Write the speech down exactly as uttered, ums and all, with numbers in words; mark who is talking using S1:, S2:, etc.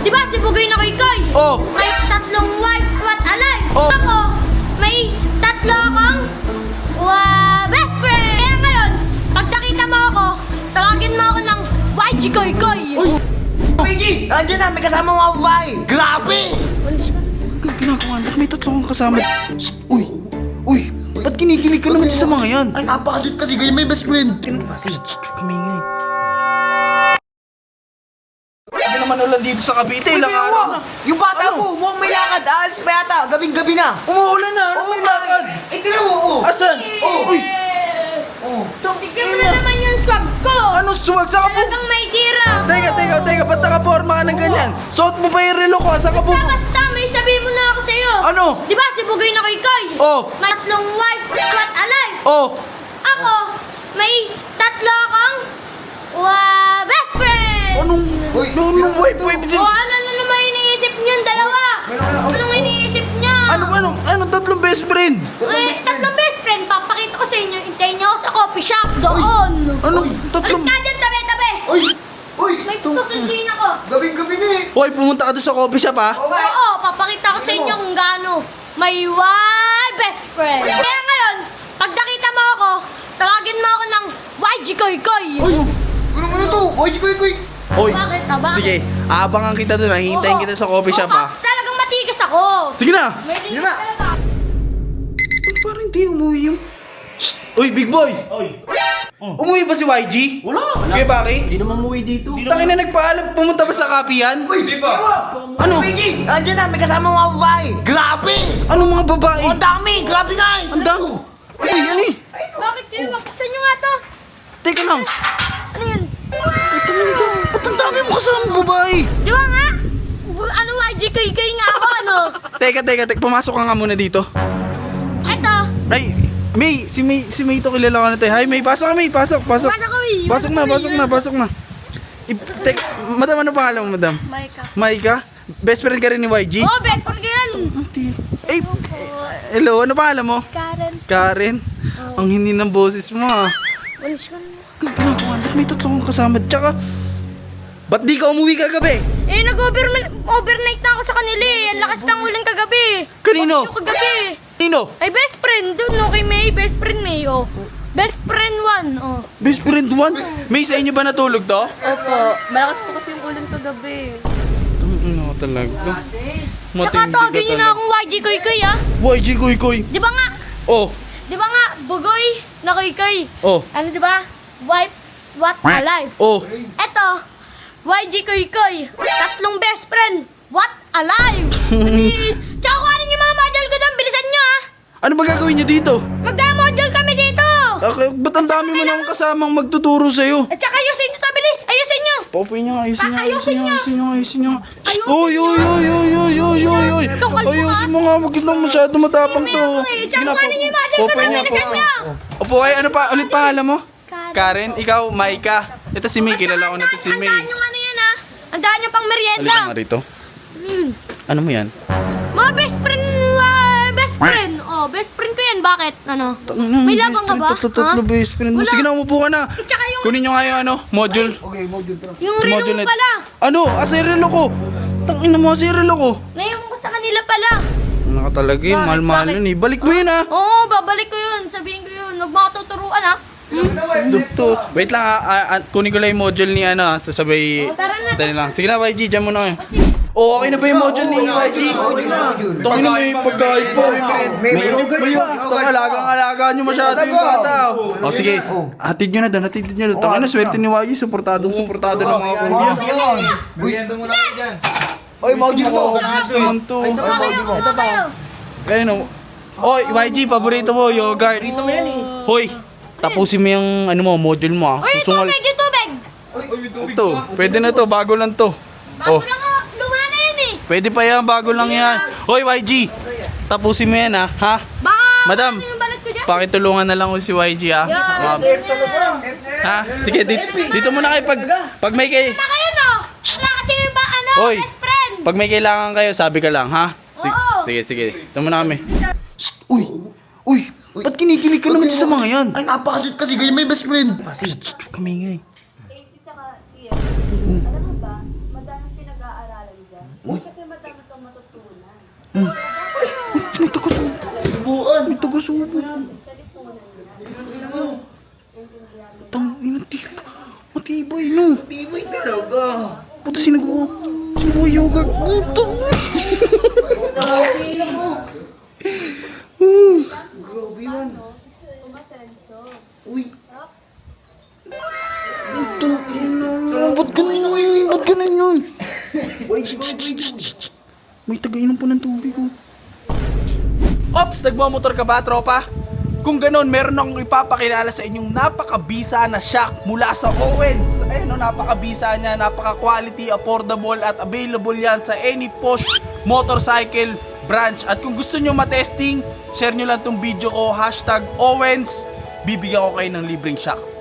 S1: Di ba si Bugoy na Koy-Koy?
S2: Oh.
S1: May tatlong wife at alive.
S2: Oh.
S1: Ako, may tatlo akong wa best friend. Kaya ngayon, pag nakita mo ako, tawagin mo ako ng Y G Koy-Koy.
S3: Uy! Y G! Andiyan na, may kasama mga babae! Grabe!
S2: Anong ginagawa? Ba't may tatlo kang kasama? Shh! Uy! Uy! Ba't kinikilig ka naman dyan sa mga yan?
S3: Ay, napakasweet kasi ganyan may best friend!
S2: Shh! Kami nga eh. Hindi naman ulan dito sa Cavite. Ilang araw na.
S3: Yung bata
S2: Ano?
S3: mo, mukhang may lakad. Aalis pa yata, gabing-gabi na.
S2: Umuulan na. Ano
S3: Oo,
S2: may lakad?
S3: Eh, tingnan mo, oh!
S2: Asan?
S1: Oh,
S2: Uy!
S3: Oh.
S1: Tignan mo na naman yung swag ko.
S2: Ano suwag sa kapo?
S1: Talagang may tira.
S2: Teka, teka, teka. Ba't nakaporma ka ng ganyan? Suot mo pa yung relo ko. Saan ka po?
S1: Basta, basta, may sabihin mo na ako sa'yo.
S2: Ano?
S1: Di ba si Bugoy na Koy-Koy?
S2: Oh.
S1: May tatlong wife at alive.
S2: Oh!
S1: Ako, may tatlo akong wa best friend.
S2: Anong...
S3: Uy.
S2: Anong wait, wait.
S1: O ano na naman iniisip niyon, dalawa? Anong iniisip niya?
S2: Ano, ano, ano, tatlong best friend?
S1: Eh, tatlong best friend. Papakita ko sa inyo. Hintayin niyo ako sa coffee shop doon.
S2: Ano,
S1: Alis
S2: tatlong...
S1: ka dyan, tabi-tabi.
S3: Uy! Uy!
S1: May susunduin ako.
S3: Gabing-gabi na eh!
S2: Hoy, pumunta ka doon sa coffee shop, ha?
S3: Okay!
S1: Oo, papakita ko sa inyo kung gaano may one best friend. Kaya ngayon, pag nakita mo ako, tawagin mo ako ng Y G Koy-Koy.
S3: Uy! Ano ano to? Y G Koy Koy!
S2: Hoy,
S1: Bakit? Ah, bakit?
S2: sige, aabangan kita doon, ha? Hihintayin
S1: Oo.
S2: kita sa coffee shop,
S1: Oo,
S2: ha?
S1: Talagang matigas ako.
S2: Sige na!
S1: May linis
S3: Yun na.
S1: talaga.
S2: Parang hindi umuwi yung... Shh! Uy, big boy! Uy! Umuwi ba si Y G?
S3: Wala!
S2: Kuya Baki?
S4: Hindi naman umuwi dito.
S2: Tangin na nagpaalam, pumunta ba sa kape yan?
S3: Uy! Di ba?
S2: Ano?
S3: Y G! Andiyan na, may kasama mga babae! Grabe!
S2: Anong mga babae?
S3: Oh, ang dami! Grabe nga eh!
S2: Ang dami! Uy, ano eh?
S1: Bakit kayo? Buksan nyo nga to.
S2: Teka lang.
S1: Ano yun?
S2: Ito mo ito. Ba't ang dami mo kasama babae?
S1: Di ba nga? Ano Y G Koy-Koy nga ako, ano?
S2: Teka, teka, teka. Pumasok ka nga muna dito.
S1: Eto.
S2: Ay, May, si May, si May ito kilala ko na tayo. Hi, May, pasok ka, May, pasok, pasok.
S1: Pasok kami.
S2: Pasok na, pasok na, pasok na. I, tek, madam, ano pangalan mo, madam?
S1: Maika.
S2: Maika? Best friend ka rin ni Y G?
S1: Oh, bet for yan.
S2: Ati. Ay, hello, ano pangalan mo?
S1: Karen.
S2: Karen? Ang hindi ng boses mo, ah.
S1: Walis ka na.
S2: Ano ginagawa? Ba't may tatlo kang kasama? Tsaka, ba't di ka umuwi kagabi?
S1: Eh, nag-overnight na ako sa kanila eh. Ang lakas ng ulan kagabi.
S2: Kanino?
S1: Bakit yung kagabi?
S2: Nino?
S1: Ay, best friend dun, no? Kay May, best friend May, oh. Best friend one, oh.
S2: Best friend one? May, sa inyo ba natulog to?
S1: Opo. Malakas po kasi yung ulan kagabi.
S2: Ano talaga?
S1: Tsaka tawagin niyo na akong Y G Koy-Koy, ah.
S2: Y G Koy Koy.
S1: Di ba nga?
S2: Oh,
S1: Di ba nga? Bugoy na Koy-Koy.
S2: oh,
S1: Ano, di ba? Wife, what alive.
S2: oh.
S1: Eto, Y G Koy-Koy. Tatlong best friend. What alive. Please. Tsaka kuhanin yung mga model ko doon. Bilisan nyo, ah.
S2: Ano ba gagawin niyo dito?
S1: Magda-model kami dito.
S2: Okay, ba't ang dami mo nang kasamang magtuturo sa'yo?
S1: At saka ayusin nyo to, bilis. Ayusin nyo.
S2: Popoy niyo, ayusin niyo,
S1: Ah,
S2: ayusin niyo, ayusin niyo, ayusin niyo.
S1: Ayusin
S2: Oy, oy, oy, oy, oy, oy, oy, oy.
S1: Ikaw, kalbo ka.
S2: Ayusin mo nga, wag lang masyado matapang to.
S1: Eh, Tsaka kuhanin yung model ko
S2: Popoy
S1: doon.
S2: niyo,
S1: Bilisan
S2: Popoy.
S1: nyo.
S2: Opo, ay, ano pa, ulit pangalan mo? Karen, ikaw, Maika. Ito si May, kilala ko na ito si May.
S1: Andaan yung ano yan, ah. Andaan yung pang merienda.
S2: Halika nga rito.
S1: Hmm.
S2: Ano mo yan?
S1: Mga best friend, ah, best friend. Oh, best friend ko yan. Bakit? Ano? May labang ka ba?
S2: Tatlo, tatlo,
S1: Ha?
S2: best friend mo.
S1: Wala.
S2: Sige na, umupo ka na.
S1: At saka yung,
S2: Kunin nyo nga yung ano, module.
S3: Okay, module pa.
S1: yung relo
S2: Module
S1: mo
S2: net.
S1: pala.
S2: Ano? Asirelo ko. Tangin na mo, asirelo ko.
S1: Naiwan ko sa kanila pala.
S2: Ano ka talaga yun?
S1: Bakit?
S2: Mahal-mahal
S1: Bakit?
S2: yun eh. Balik mo yun ah.
S1: Oo, babalik ko yun. Sabihin ko yun. Huwag mo ako tuturuan, ha?
S2: Duktos. Wait lang ah, ah, ah, kunin ko lang yung module ni ano ah. Tapos sabay...
S1: Oh, tara na.
S2: Dali lang. Sige na Y G, dyan muna kayo. Oo, okay na ba yung module ni Y G? Tangin na may pagkain po.
S3: May may yogurt
S2: May
S3: pa.
S2: yung alagang-alaga nyo masyado yung bata. O sige, hatid nyo na doon, hatid nyo na doon. Tangin na, swerte ni Y G, suportadong suportado ng mga kuya.
S4: Merienda muna kayo dyan.
S3: Oy, module to.
S2: Naman to.
S1: Ito pa kayo. Ito pa kayo.
S2: Kaya no. Oy, Y G, paborito mo, yogurt. Paborito mo yan eh. Hoy, tapusin mo yung ano mo, module mo ah.
S1: Uy, yung
S2: Susungal.
S1: tubig, yung tubig.
S2: Ito, pwede na to, bago lang to.
S1: Bago
S2: Oh,
S1: lang ako. Luma na yan, eh.
S2: pwede pa yan, bago lang yan. Hoy, Y G, tapusin mo yan ah, ha?
S1: Baka,
S2: Madam,
S1: ano yung balat ko dyan?
S2: pakitulungan na lang ko si Y G ah.
S1: Yan.
S2: Mga- Ha? Sige, dito, dito muna kayo pag, pag may kay,
S1: Na kayo, no? Wala kasi yung ba, ano,
S2: Hoy.
S1: best friend.
S2: pag may kailangan kayo, sabi ka lang, ha? Sige,
S1: Oo.
S2: sige, sige. Ito muna kami. Uy! Uy! Ba't kinikilig ka naman sa mga yan?
S3: Ay, napakasweet kasi ganyan may best friend.
S2: Kami nga eh.
S1: Alam mo ba, madaming pinag-aaralan dyan.
S2: May taga-subo.
S3: Subuan.
S2: May taga-subo. Tang, inatibay. Matibay, no?
S3: Tibay talaga.
S2: Puto sinagawa. Sinagawa yogurt. Utang.
S3: Grabe yun. Uy.
S2: Utang, ina. Ba't ganun yun? Ba't ganun yun?
S3: Wait, wait, wait.
S2: May tagainom po ng tubig, oh. Ops! Nagmamotor ka ba, tropa? Kung ganun, meron akong ipapakilala sa inyong napakabisa na shock mula sa Owens. Ayun, no, napakabisa niya, napaka-quality, affordable at available yan sa any Porsche motorcycle branch. At kung gusto nyo matesting, share nyo lang tong video ko, hashtag Owens. Bibigyan ko kayo ng libreng shock.